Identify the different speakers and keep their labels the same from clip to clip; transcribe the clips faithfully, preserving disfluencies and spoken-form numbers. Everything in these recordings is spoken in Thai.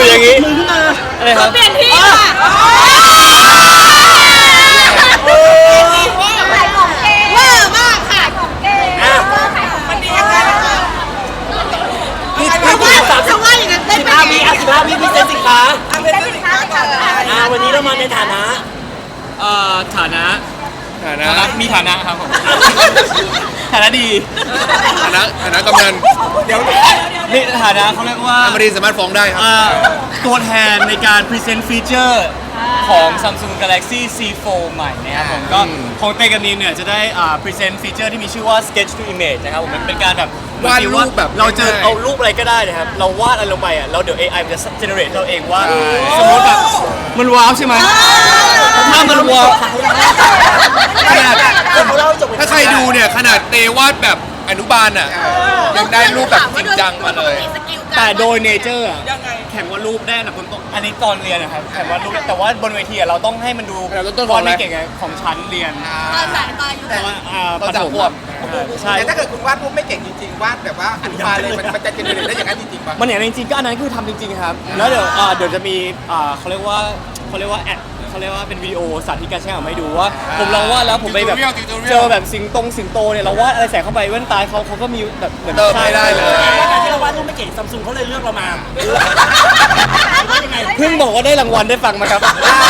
Speaker 1: อย่างนี้
Speaker 2: มือขึ้นมา
Speaker 1: อะไรครับ
Speaker 3: เปลี่ยนที่ค่ะขายของเก่งเวอร์มากค่ะของเก่งมันดียังไง
Speaker 2: พี่
Speaker 3: เพ
Speaker 2: พี่
Speaker 3: ราะว่า
Speaker 2: สาม
Speaker 3: เพราะว่าอย่างนั้นได้
Speaker 2: สิบ
Speaker 3: ไป
Speaker 2: ห้าวิอ่ะสิบห้าวิพี่เซ็นสินค้า
Speaker 3: เป็นสินค้าก่อน
Speaker 2: อ่าวันนี้เรามาในฐานะ
Speaker 1: เอ่อฐานะ
Speaker 4: ฐานะ
Speaker 1: ฐานะมีฐานะครับผมฐานะดี
Speaker 4: ฐานะฐานะกำนัน
Speaker 2: เดี๋ยว
Speaker 1: นี่ฐานะเขาเรียกว่า
Speaker 4: อมรินทร์สามารถฟ้องได้ครับ
Speaker 1: อ่าตัวแทนในการพรีเซนต์ฟีเจอร์ของ Samsung Galaxy ซี โฟร์ ใหม่นะครับผมก็
Speaker 4: อืม
Speaker 1: ของเตกับนีมเนี่ยจะได้อ่าพรีเซนต์ฟีเจอร์ที่มีชื่อว่า Sketch to Image นะครับผมมันเป็นการแบบ
Speaker 4: วาดรูปแบบ
Speaker 1: เราจะ
Speaker 4: ง่ายๆ
Speaker 1: เอารูปอะไรก็ได้นะครับเราวาดอะไรลงไปอ่ะเราเดี๋ยว เอ ไอ มันจะ generate เราเองว่า
Speaker 4: ใช่
Speaker 1: สมมติแบบมันว้าวใช่ไหมถ้ามันว้าว
Speaker 4: ขนาด
Speaker 2: เขาเล่าจบ
Speaker 4: ถ้าใครดูเนี่ยขนาดเตวาดแบบอนุบาลอ่ะยังได้รูปแบบจริงจังมาเลย
Speaker 1: แต่โดยเนเจอร์อะแข่งวาดรูปได้อันดับต้นๆอันนี้ตอนเรียนนะครับแข่งวาดรูปแต่ว่าบนเวทีอะเราต้องให้มันดู
Speaker 4: เราต้องต้นของ
Speaker 1: วาด
Speaker 4: อะไร
Speaker 1: ไม่เก่งไงของชั้นเรียน
Speaker 3: ตอนสายตอนอยู่
Speaker 1: แต่ว่าอ่า
Speaker 4: ตอน
Speaker 1: ประ
Speaker 4: สาม
Speaker 1: ถม
Speaker 4: ขวบ
Speaker 1: อ่าใช่
Speaker 5: แต่ถ้าเกิดคุณวาดรูปไม่เก่งจริงๆ วาดแบบว่าอนุบาลเลยมันมันจะเจเนเรตได้อย่างนั้นจริงๆป่ะ
Speaker 1: มันอย่างนั้นจริงๆก็อันนั้นคือทำจริงๆครับแล้วเดี๋ยวอ่าเดี๋ยวจะมีอ่าเขาเรียกว่าเขาเรียกว่าแอดเขาเรียกว่าเป็นวิดีโอสาธิตการใช้งานมาให้ดูว่า ผมลองวาดแล้วผมไปแบบ
Speaker 4: Tutorial Tutorial
Speaker 1: เจอแบบสิงตรงสิงโตเนี่ยเราวาดอะไรใส่เข้าไปแว่นตาเขาเขาก็มีแบบเหมือน
Speaker 4: เติมไม่ได้เลย
Speaker 2: การที่เราวาดรูปไม่เก่งซัมซุงเขาเลยเลือกเรามายังไง
Speaker 1: เพิ่งบอกว่าได้รางวัลได้ฟังไหมครับ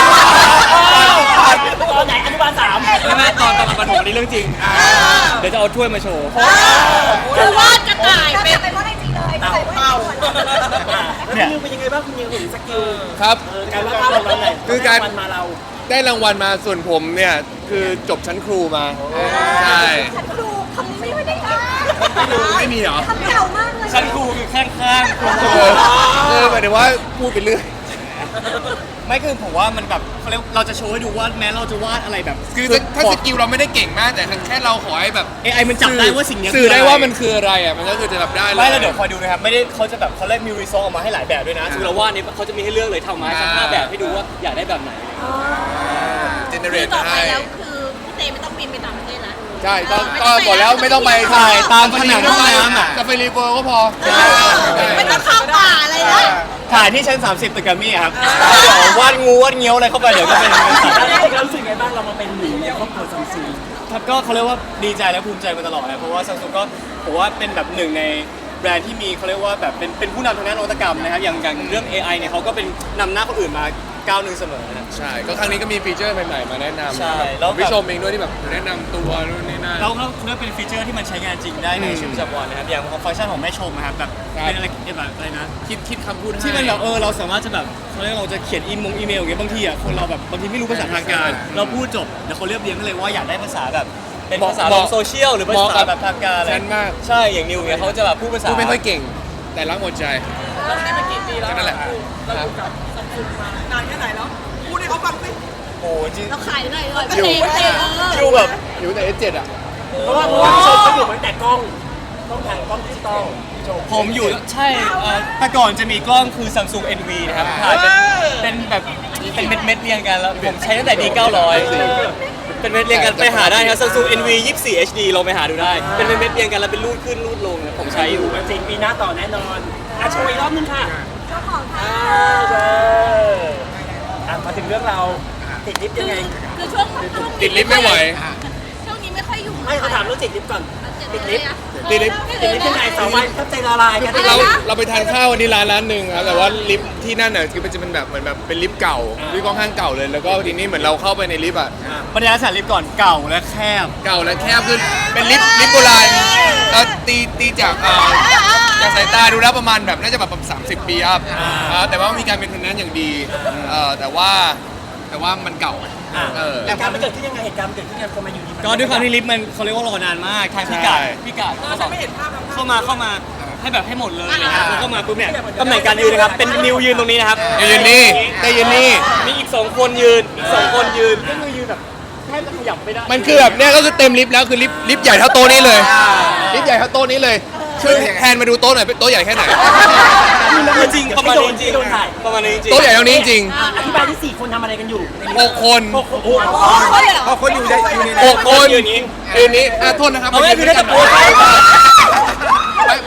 Speaker 2: ตอนไหนอนุบาลสาม
Speaker 1: ไม่ไม่ตอนตอนประถมอันนี้เรื่องจริง เดี๋ยวจะเอาถ้วยมาโชว์
Speaker 3: คือวาดกระต่ายเป็นเป็นว่าไอจีเลย
Speaker 2: เต่า
Speaker 3: ใส่ไว้
Speaker 2: เต่า
Speaker 1: เนี่ย
Speaker 2: คุณนิวเป็นยังไงบ้างคุณนิวเห็นสกิล
Speaker 4: ครับ
Speaker 2: การวาดภาพของเราไหน
Speaker 4: คือการ
Speaker 2: มันมาเรา
Speaker 4: ได้รางวัลมาส่วนผมเนี่ยคือจบชั้นครูมาใช่
Speaker 3: ฉันครูคำนี้ไม่ค่อยได้ยิน
Speaker 4: ไม่มีเหรอ
Speaker 3: คำเก่ามากเลย
Speaker 1: ชั้นครูคือข้างๆครู
Speaker 4: เออเออหมายถึงว่าพูดไปเรื่อย
Speaker 1: ไม่คือผมว่ามันแบบเขาเรียกเราจะโชว์ให้ดูว่าแม้เราจะวาดอะไรแบบ
Speaker 4: คือถ้าถ้าสกิลเราไม่ได้เก่งมากแต่แค่เราขอให้แบบ
Speaker 1: เอไอมันจับได้ว่าสิ่งเนี้ย
Speaker 4: สื่อได้
Speaker 1: คืะร
Speaker 4: ว่ามันคืออะไรอ่ะมันก็คือจะรับได้เลย
Speaker 1: ไม่แล้วเดี๋ยวคอยดูนะครับไม่ได้เขาจะแบบเขาเล่นมีรีซอสออกมาให้หลายแบบด้วยนะคือเราวาดนี้เขาจะมีให้เลือกเลยทำมาให้ทั้งห้าแบบให้ดูว่าอยากได้แบบไหน
Speaker 4: เจเนเร
Speaker 3: คือ
Speaker 4: ต
Speaker 3: ต่อไป
Speaker 4: ให้
Speaker 3: แล้วคือพี่เตไม่ต้องบินไปต่างประเทศแล้ว
Speaker 4: ใช่ก็ก็บอกแล้วไม่ต้องไป
Speaker 1: ถ่ายตามผนังห้องน้ำอ่ะ
Speaker 4: จะไปรีเวิร์ก็พอ
Speaker 3: ไม่ต้องเข้าป่าอะไรแล้ว
Speaker 1: ถ่ายที่ชั้น สามสิบตึกแกรมมี่อะครับเดี๋ยววาดงูวาดเงี้ยวอะไรเข้าไปเดี๋ยวก็เป็นเป็นสัตว์
Speaker 2: แล้วเรารู้สึกไงบ้างเรามาเป็นหนึ่งในครอบครัวซัมซุง
Speaker 1: ครับก็เขาเรียกว่าดีใจและภูมิใจมาตลอดนะเพราะว่าซัมซุงก็ผมว่าเป็นแบบหนึ่งในแบรนด์ที่มีเขาเรียกว่าแบบเป็นเป็นผู้นำทางด้านนวัตกรรมนะครับอย่างอย่างเรื่อง เอ ไอ เนี่ยเขาก็เป็นนำหน้าคนอื่นมาก้าวหนึ่งเสมอนะ
Speaker 4: ใช่ก็ครั้งนี้ก็มีฟีเจอร์ใหม่ๆมาแนะนำ
Speaker 1: ใช่แล้ว
Speaker 4: พี่ชมเองด้วยที่แบบแนะนำตัวนู่นนี่นั่น
Speaker 1: แล้วเขาเรียกเป็นฟีเจอร์ที่มันใช้งานจริงได้ในชีวิตประจำวันนะครับอย่างฟังก์ชันของแม่ชมนะครับแบบ
Speaker 4: ครับ
Speaker 1: เป็นอะไรแบบอะไรนะ
Speaker 4: คิดคิดคำพูดให้
Speaker 1: ที่มันแบบเออเราสามารถจะแบบเขาเรียกเราจะเขียนอีมงอีเมลอย่างเงี้ยบางทีอ่ะคนเราแบบบางทีไม่รู้ภาษาทางการ เราพูดจบเดี๋ยวเขาเรียบเรียงกันเลยว่าอยากได้ภาษาแบบเป็นภาษาของโซเชียลหรือภาษาแบบทางการอะไร
Speaker 4: ฉันมาก
Speaker 1: ใช่อย่างนิวเนี่ยเขาจะแบบพูดภาษา
Speaker 4: พูดไม่ค่อยเก่ง แต่รักหมดใจ
Speaker 2: เราใช้มากี่ปีแล้ว
Speaker 4: ก็นั่นแหละ
Speaker 2: เราอยู่กับซัมซุงมานานแค่ไหนแล้วพูดให้เขาฟังสิ
Speaker 1: โอ้จริง
Speaker 3: เราขายได้เลย
Speaker 4: อยู่
Speaker 3: ประเทศเออ
Speaker 1: อยู่แบบ
Speaker 4: อยู่แต่ เอส เจ็ด อ่ะ
Speaker 2: เพราะว่าเพราะว่าพี่ชมเขาอยู่มาตั้งแต่กล้องกล้องถ่ายกล้องดิจิตอลพี่ชม
Speaker 1: ผมอยู่ใช่เอ่อแต่ก่อนจะมีกล้องคือ Samsung เอ็น วี นะครับถ่ายเป็นเป็นแบบเป็นเม็ดเม็ดๆเรียงกันแล้วผมใช้ตั้งแต่ ดี เก้าร้อย เป็นเม็ดเรียงกันไปหาได้ครับ Samsung เอ็น วี ยี่สิบสี่ เอช ดี ลองไปหาดูได้ เป็นเม็ดๆเรียงกันแล้วเป็นรูดขึ้นรูดลงเนี่ยผมใช้อยู่
Speaker 2: มันจริงปีหน้าต่อแน่นอนอ่ะโชว์อีกรอบนึงค่ะ
Speaker 3: เจ้าของค่ะ
Speaker 2: อ่าเด้ออ่ะมาถึงเรื่องเราติดลิฟต์ยังไง
Speaker 3: คือช่วงช่วง
Speaker 4: ติดลิฟต์ไม่ไหว
Speaker 3: ช่วงนี้ไม่ค่อยอยู่
Speaker 2: ไม่เขาถามเรื่องติดลิฟต์ก่อน ติดลิฟต์
Speaker 4: ติดลิฟต์
Speaker 2: ติดลิฟต์ยังไงสาววายทับใจละลายกัน
Speaker 4: เราเราไปทานข้าววันนี้ร้านร้านหนึ่งครับแต่ว่าลิฟต์ที่นั่นน่ะคือมันจะเป็นแบบเหมือนแบบเป็นลิฟต์เก่าลิฟต์ค่อนข้างเก่าเลยแล้วก็ทีนี้เหมือนเราเข้าไปในลิฟต์อ่ะ
Speaker 1: บรรยากาศลิฟต์ก่อนเก่าและแคบ
Speaker 4: เก่าและแคบคือเป็นลิฟต์ลิฟต์โบราณเอ่อตีตีจากเอ่อจากสายตาดูแล้วประมาณแบบน่าจะแบบสามสิบปีอัพอ่าแต่ว่ามีการเป็นคนนั้นอย่างดีเอ่อแต่ว่าแต่ว่ามันเก่าเออ
Speaker 2: เหตุการณ์มันเกิดขึ้นยังไงเหตุการณ์มันเกิดขึ้นยังไงคนมาอยู่ดี
Speaker 1: ก็ด้วยความที่ลิฟต์มันเขาเรียกว่ารอนานมากทางพี่กาด
Speaker 4: ใช่
Speaker 1: พี่กาดเขาบอกเข้ามาเข้ามาให้แบบให้หมดเลยนะครับแล้วก็มาปุ๊บเนี่ยตำแหน่งการยืนนะครับเป็นนิวยืนตรงนี้นะครับ
Speaker 4: แต่ยืนนี่แต่ยืนนี่
Speaker 1: มีอีกสองคนยืนอีกสองคนยืนก็คือยืนแบบแทบจะขยับไม่ได้
Speaker 4: มันคือแบบเนี้ยก็คือเต็มลิฟต์แล้วคือลิฟต์ลิฟต์ใหญ่เท่าโต๊ะนี้เลยลิฟต์ใหญ่เท่าโต๊ะนี้เลยช่วยแทนมาดูโต๊ะหน่อยเป็นโต๊ะใหญ่แค่ไหน
Speaker 1: จริงประมาณนี้จริงประมาณนี้จริง
Speaker 4: โต๊ะใหญ่เท่านี้จริง
Speaker 2: อ่ะอธิบายที่สี่คนทำอะไรกันอยู่
Speaker 4: หกคน
Speaker 2: หกคนโอ้โห
Speaker 5: พอคนอยู่ในอยู่ใน
Speaker 4: หกคน
Speaker 1: ยืนอย่างนี้
Speaker 4: ยืนนี้อ่ะโทษนะครับ
Speaker 1: เอาไม่คือ
Speaker 4: ด้
Speaker 1: ได้
Speaker 4: กั
Speaker 1: ตะโกนไป
Speaker 4: ไม่ไม่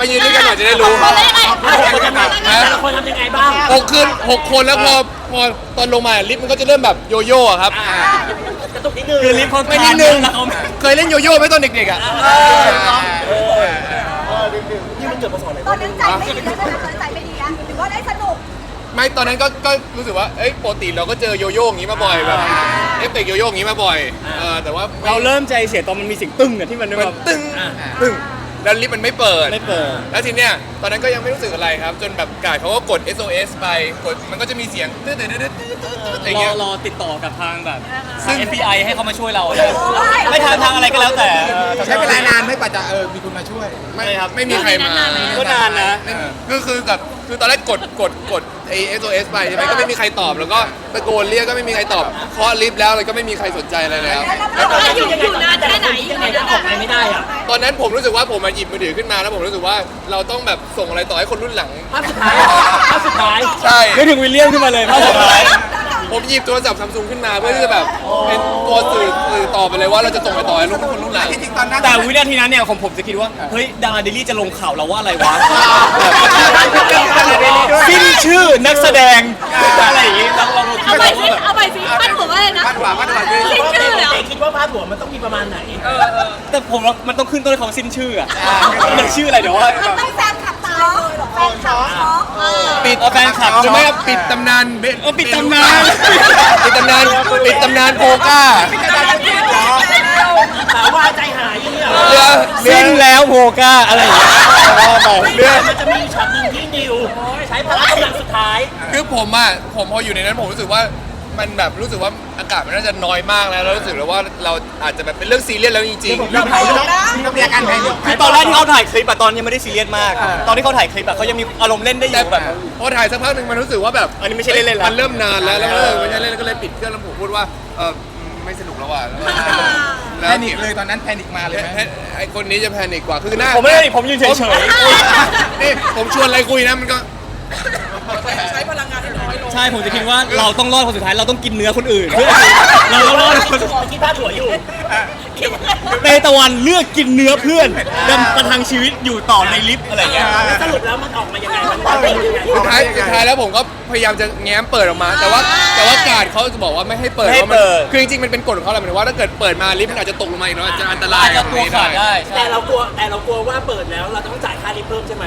Speaker 4: มายืนด้วยกันหน่อยจะได้รู้
Speaker 3: คนละยังไง
Speaker 2: แต่ละคนทำยังไงบ้าง
Speaker 4: หกคืนหกคนแล้วพอพอตอนลงมาลิฟต์มันก็จะเริ่มแบบโยโย่อะครับ
Speaker 2: กระตุกนิดนึง
Speaker 1: คือลิฟต์เขา
Speaker 4: ไม่นิดนึงเคยเล่นโยโย่ไหมตอนเด็กๆอ่ะ
Speaker 2: นี่มันเกิดมาสอนอะไร
Speaker 3: ตอนนั้นใจไม่ดีแล้วตอนนั้นใจไม่ดีแล้วหรือว่าได้สนุก
Speaker 4: ไม่ตอนนั้นก็ก็รู้สึกว่าเอ้ยปกติเราก็เจอโยโย่อย่างนี้มาบ่อยแบบเอฟเฟกต์โยโย่อย่างนี้มาบ่อยเออแต่ว่าไม่
Speaker 1: เราเริ่มใจเสียตอนมันมีเสียงตึ้งอะที่มัน
Speaker 4: มัน
Speaker 1: แบบ
Speaker 4: ตึ้งตึ้งแล้วลิฟต์มันไม่เปิด
Speaker 1: ไม่เปิด
Speaker 4: แล้วทีเนี้ยตอนนั้นก็ยังไม่รู้สึกอะไรครับ จนแบบกาดเขาก็กด เอส โอ เอส ไปกดมันก็จะมีเสียงตืดตืดตืดตืดตืดอะไร
Speaker 1: รอ
Speaker 4: เงี้ย
Speaker 1: รอติดต่อกับทางแบบ
Speaker 4: ซึ่
Speaker 1: ทาง
Speaker 4: ง
Speaker 1: เอฟ บี ไอ ให้เขามาช่วยเราเลยไม่ทางทางอะไรก็แล้วแต่
Speaker 5: ใช้เวลานานไหม่กว่าจะเออมีคนมาช่วย
Speaker 4: ไม่ครับไม่มีใครมา
Speaker 1: ก็นานนะ
Speaker 4: คือคือแบบคือตอนแรกกดกดกดไอ เอส โอ เอส ไปใช่ไหมก็ไม่มีใครตอบแล้วก็ตะโกนเรียกก็ไม่มีใครตอบเคาะลิฟต์แล้วเลยก็ไม่มีใครสนใจอะไรแล้ว
Speaker 3: แล้วตอนนั้นอยู่อยู่นานแค่ไหน
Speaker 2: ยังไงจะออกไปไม่ได้อ่ะ
Speaker 4: ตอนนั้นผมรู้สึกว่าผมมาหยิบมือถือขึ้นมาแล้วผมรู้สึกว่าเราต้องแบบส่งอะไรต่อให้คนรุ่นหลัง
Speaker 2: ภาพสุดท้ายภาพสุดท้าย
Speaker 4: ใช่
Speaker 1: นึกถึงวิลเลียมขึ้นมาเลยภาพสุดท้าย
Speaker 4: ผมหยิบโทรศัพท์ซัมซุงขึ้นมาเพื่อที่จะแบบเป็นตัวสื่อสื่อต่อไปเลยว่าเราจะส่งไปต่อให้รุ่นคนรุ่นหลัง
Speaker 5: จริงๆตอนนั้น
Speaker 1: แต่วินาทีนั้นเนี่ยของผมจะคิดว่าเฮ้ยดาราเดลี่จะลงข่าวเราว่าอะไรวะสิ้นชื่อนักแสดงอะไรอย่างงี้เราเรา
Speaker 3: เอาไปสิเอาไปสิพันหัวอะไรนะ
Speaker 5: พาดหัวพาดหัวคือ
Speaker 3: สิ้นชื่อเหรอ
Speaker 2: แต่คิดว่าภาพหัวมันต้องมีประมาณไหน
Speaker 1: แต่ผมว่ามันต้องขึ้นต้นคำว่าสิ้นชื่ออะมันชื่ออะไรเดี๋ยวว่า
Speaker 3: มันต้องแฟนขับตายเลยแฟนขับช็อกเออ
Speaker 4: ปิด
Speaker 1: เอาแฟนคลับ
Speaker 4: ใช่ไหมครับปิดตำนานเบ
Speaker 1: เออปิดตำนาน
Speaker 4: ปิดตำนานปิดตำนานโพก้า
Speaker 2: ถามว่าใจหายอย่างเงี้ย
Speaker 4: เรือเรือ
Speaker 1: สิ้นแล้วโพก้าอะไรอย่างเงี้ยว่าไป
Speaker 2: เรื่องมันจะมีช็อตหนึ่งที่นิวใช้พละกำลังสุดท้าย
Speaker 4: คือผมอ่ะผมพออยู่ในนั้นผมรู้สึกว่ามันแบบรู้สึกว่าอากาศมันน่าจะน้อยมากแล้วแล้วรู้สึกแล้วว่าเราอาจจะแบบเป็นเรื่องซีเรียสแล้วจริง
Speaker 5: เราถ่ายรูปเรามีอาการแพนิค
Speaker 1: คือตอนแรกที่เขาถ่ายคลิปอะตอนยังไม่ได้ซีเรียสมาก ตอนที่เขาถ่ายคลิปอะเขายังมีอารมณ์เล่นได้อ
Speaker 4: ๆแต่
Speaker 1: ยู่
Speaker 4: แบ
Speaker 1: แบบ บ
Speaker 4: พอถ่ายสักพักหนึ่งมันรู้สึกว่าแบบ
Speaker 1: อันนี้ไม่ใช่เล่นๆแล้ว
Speaker 4: มันเริ่มนานแล้วแล้วเออไม่ใช่เล่นก็เลยปิดเครื่องแล้วผมพูดว่าเออไม่สนุกแล้วว่ะ
Speaker 5: แพนิคเลยตอนนั้นแพนิคมาเลยไหม
Speaker 4: ไอคนนี้จะแพนิคกว่าคือหน้า
Speaker 1: ผมไม่ได้ผมยืนเฉย
Speaker 4: นี่ผมชวนอะไรคุยนะมันก็
Speaker 1: ๆใช่ผมจะคิดว่าเราต้องรอดคนสุดท้ายเราต้องกินเนื้อคนอื่นเพื่อเราต้องรอดคน
Speaker 2: คิดภาพหัวอยู่
Speaker 1: เตตะวันเลือกกินเนื้อเพื่อนดำประทังชีวิตอยู่ต่อในลิฟต์อะไรอย่างเงี้ย
Speaker 2: แล้วสรุปแล้วมันออกมายังไงมันเป็นยังไง
Speaker 4: สุดท้ายสุดท้ายแล้วผมก็พยายามจะแง้มเปิดออกมา แต่ว่าแต่ว่าการดเขาจะบอกว่าไม่ให้เปิด
Speaker 1: ไม่ให้
Speaker 4: พราะมัน
Speaker 1: เปิด
Speaker 4: คือจริงๆมันเป็นกฎของเขาแหละหมายถึงว่าถ้าเกิดเปิดมาลิฟต์มันอาจจะตกลงมาอีกเนาะอาจจะอันตราย
Speaker 1: อาจจะตัวขาดได้
Speaker 2: แต่เรากลัวแต่เรากลัวว่าเปิดแล้วเราต้องจ่ายค่าลิฟต์เพิ่มใช่ไหม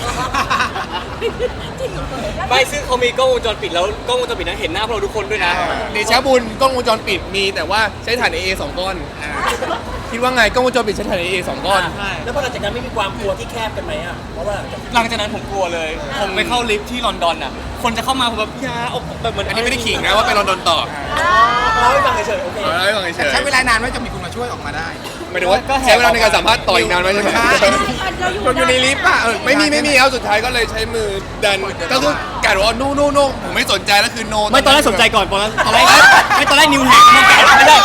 Speaker 1: ไม่ซึ่งเขามีกล้องวงจรปิดแล้วกล้องวงจรปิดนั้นเห็นหน้าพวกเราทุกคนด้วยนะ
Speaker 4: เดชะบุญกล้องวงจรปิดมีแต่ว่าใช้ถ่าน เอ เอ สองก้อนคิดว่าไงกล้องวงจรปิดใช้ถ่าน เอ เอ สองก้อน
Speaker 2: แล้วพอหลังจากนั้นไม่มีความกลัวที่แคบกันไหมอ่ะเพราะว่า
Speaker 1: หลังจากนั้นผมกลัวเลย ผมไปเข้าลิฟต์ที่ลอนดอนอ่ะ คนจะเข้ามาผมแบบอยาเอาแบบเหมือน
Speaker 4: อันนี้ไม่ได้ขิงนะว่าไปลอนดอนต่อ
Speaker 2: เล่าให้ฟังเฉยๆโอเค
Speaker 4: เอาไว้ก่อนเฉย
Speaker 5: ใช้เวลานานไหมจะมีคนมาช่วยออกมาได้
Speaker 4: ๆหมายถึงว่าใช้เวลาในการสัมภาษณ์ต่ออีกนานไหมใช่ไหม
Speaker 5: เราอยู่ในลิฟต์ป่ะเออ
Speaker 4: ไม่มีไม่มีเอาสุดท้ายก็เลยใช้มือดันก็คือการบอกว่าโนโนโนผมไม่สนใจแล้วคือโน
Speaker 1: ไม่ตอนแรกสนใจก่อนตอนแรกตอนแรกไม่ตอนแรกนิวแฮกไม่ได้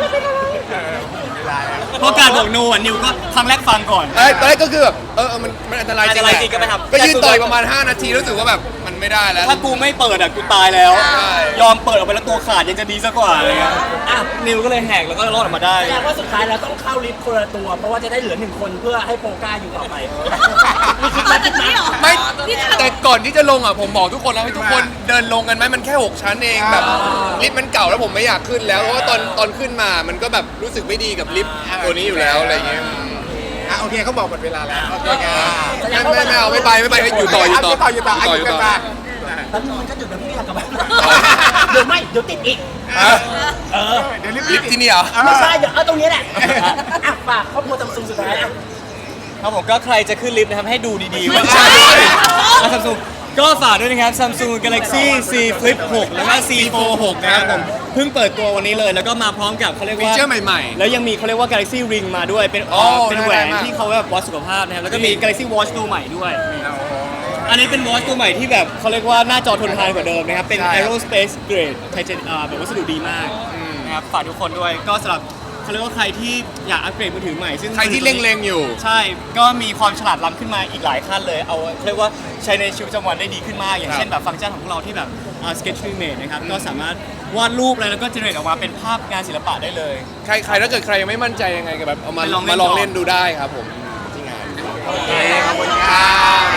Speaker 1: เพราะการบอกโนอ่ะนิวก็ครั้งแรกฟังก่อน
Speaker 4: เอ้ยตอนแรกก็คือแบบเออเออมันมันอันตรายจริง
Speaker 1: อันตรายจริงก็ไม่ทำ
Speaker 4: ก็ยืนต่อยประมาณ ห้า นาทีรู้สึกว่าแบบมันไม่ได้แล้ว
Speaker 1: ถ้ากูไม่เปิดอ่ะกูตายแล้ว
Speaker 4: ใช่
Speaker 1: ยอมเปิดออกไปแล้วตัวขาดยังจะดีซะกว่าอะไรเงี้ยอ่ะนิวก็เลยแหกแล้วก็รอดออกมาได้
Speaker 2: แสดงว่าสุดท้ายเราต้องเข้าลิฟต์คนละตัว เพราะว่าจะได้เหลือหนึ่งคนเพื่อให้โปก้าอยู่ต่อไปมีคิดมาคิดมา
Speaker 4: ไม่แต่ก่อนที่จะลงอ่ะผมบอกทุกคนแล้วให้ทุกคนเดินลงกันไหมมันแค่หกชั้นเองแบบลิฟต์มันเก่าแล้วผมไม่อยากขึ้นแล้วเพราะว่าตอนตอนขึ้นมามันก็แบบรู้สึกไม่ดีกับลิฟต์ตัวนี้อยู่แล้วอะไรอย่างเงี้ย
Speaker 5: อ่ะโอเคเขาบอกหมดเวลาแล้วโอเคครับ
Speaker 4: ไม่ไม่ไม่เอาไม่ไปไม่ไปอยู่ต่ออยู่ต่อ
Speaker 5: ต่ออยู่ต่อ
Speaker 4: ต่อ
Speaker 5: อ
Speaker 4: อยู่
Speaker 5: ยู่
Speaker 4: ต่
Speaker 5: ต่
Speaker 4: อ
Speaker 5: อ
Speaker 2: แล้วมันก็หยุดแบบพี่อยากกลับบ้านเดี๋ยวไม่เดี๋ยวติดอีก
Speaker 4: อ่ะ
Speaker 2: เออ
Speaker 5: เดี๋ยวลิฟ
Speaker 4: ลิฟต์ที่นี่เหรอ
Speaker 2: ไม่ใช่เดี๋ยวเอาตรงนี้แหละอ่ะฝากครอบครัวซัมซุงสุดท้ายอ่ะ
Speaker 1: ครับผมก็ใครจะขึ้นลิฟต์นะครับให้ดูดีๆว่าซัมซุงก็ฝากด้วยนะครับ Samsung Galaxy Z Flip หกแล้วก็ Z Fold หกนะครับผมเพิ่งเปิดตัววันนี้เลยแล้วก็มาพร้อมกับเขาเรียก
Speaker 4: ฟี
Speaker 1: ว่า
Speaker 4: เจอร์ใหม่ๆ
Speaker 1: แล้วยังมีเขาเรียกว่า Galaxy Ring มาด้วยเป็น
Speaker 4: โอ้
Speaker 1: เป็นแหวน
Speaker 4: น่ารักมาก
Speaker 1: ที่เขาแบบวัดสุขภาพนะครับแล้วก็มี Galaxy Watch ตัวใหม่ด้วย อันนี้เป็น Watch ตัวใหม่ที่แบบเขาเรียกว่าหน้าจอทนทานกว่าเดิมนะครับเป็น Aerospace Grade ไทเทนอ่าแบบวัสดุดีมากนะครับฝากทุกคนด้วยก็สำหรับเขาเรียกว่าใครที่อยากอัปเกรดมือถือใหม่ซึ่ง
Speaker 4: ใครที่เล็งๆอยู่
Speaker 1: ใช่ก็มีความฉลาดล้ำขึ้นมาอีกหลายขั้นเลยเอาเรียกว่าใช้ในชีวิตประจำวันได้ดีขึ้นมากอย่างเช่นแบบฟังก์ชันของพวกเราที่แบบ sketch image นะครับก็สามารถวาดรูปอะไรแล้วก็ generate ออกมาเป็นภาพงานศิลปะได้เลย
Speaker 4: ใครใครถ้าเกิดใครยังไม่มั่นใจยังไงก็แบบเอามา
Speaker 1: ไปลองเล่น
Speaker 4: มาลอง
Speaker 1: ก่อน
Speaker 4: เล่นดูได้ครับผมที่งาน
Speaker 5: โอเค
Speaker 4: โอเคขอบคุณครับ